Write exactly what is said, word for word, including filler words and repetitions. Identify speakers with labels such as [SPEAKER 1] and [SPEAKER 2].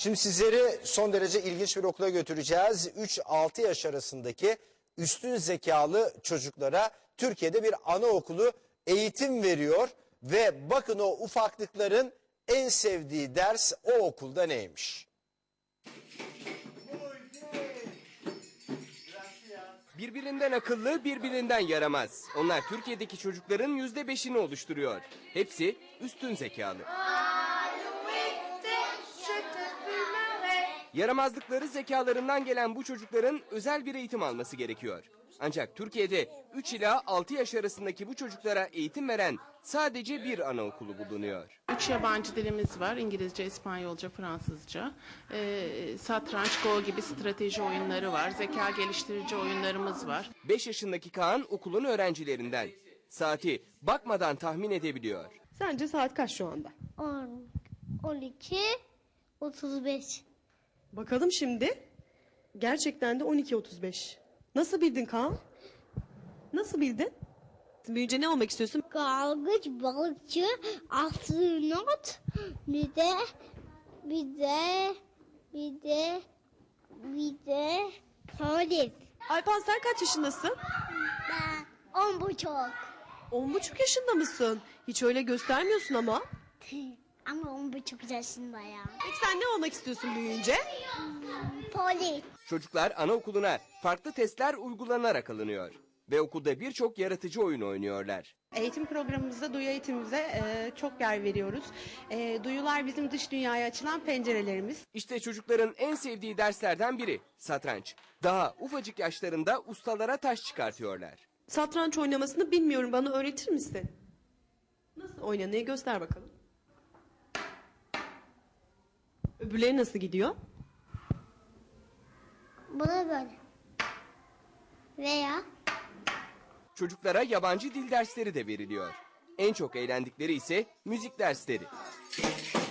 [SPEAKER 1] Şimdi sizleri son derece ilginç bir okula götüreceğiz. üç altı yaş arasındaki üstün zekalı çocuklara Türkiye'de bir anaokulu eğitim veriyor. Ve bakın o ufaklıkların en sevdiği ders o okulda neymiş?
[SPEAKER 2] Birbirinden akıllı, birbirinden yaramaz. Onlar Türkiye'deki çocukların yüzde beşini oluşturuyor. Hepsi üstün zekalı. Yaramazlıkları zekalarından gelen bu çocukların özel bir eğitim alması gerekiyor. Ancak Türkiye'de üç ila altı yaş arasındaki bu çocuklara eğitim veren sadece bir anaokulu bulunuyor.
[SPEAKER 3] Üç yabancı dilimiz var. İngilizce, İspanyolca, Fransızca. Ee, satranç, Go gibi strateji oyunları var. Zeka geliştirici oyunlarımız var.
[SPEAKER 2] beş yaşındaki Kaan okulun öğrencilerinden. Saati bakmadan tahmin edebiliyor.
[SPEAKER 4] Sence saat kaç şu anda?
[SPEAKER 5] on, on iki, otuz beş.
[SPEAKER 4] Bakalım şimdi. Gerçekten de on iki otuz beş. Nasıl bildin Kaan? Nasıl bildin? Büyüyünce ne olmak istiyorsun?
[SPEAKER 5] Dalgıç, balıkçı, astronot, bir de, bir de, bir de, bir de polis.
[SPEAKER 4] Alpan sen kaç yaşındasın?
[SPEAKER 5] Ben on buçuk.
[SPEAKER 4] On buçuk yaşında mısın? Hiç öyle göstermiyorsun ama.
[SPEAKER 5] Ama on buçuk yaşındayım.
[SPEAKER 4] Peki sen ne olmak istiyorsun büyüyünce?
[SPEAKER 5] Polis.
[SPEAKER 2] Çocuklar anaokuluna farklı testler uygulanarak alınıyor. Ve okulda birçok yaratıcı oyun oynuyorlar.
[SPEAKER 6] Eğitim programımızda duyu eğitimimize e, çok yer veriyoruz. E, duyular bizim dış dünyaya açılan pencerelerimiz.
[SPEAKER 2] İşte çocukların en sevdiği derslerden biri satranç. Daha ufacık yaşlarında ustalara taş çıkartıyorlar.
[SPEAKER 4] Satranç oynamasını bilmiyorum, bana öğretir misin? Nasıl oynanıyor göster bakalım. Öbürleri nasıl gidiyor?
[SPEAKER 5] Bu da böyle. Veya
[SPEAKER 2] Çocuklara yabancı dil dersleri de veriliyor. En çok eğlendikleri ise müzik dersleri.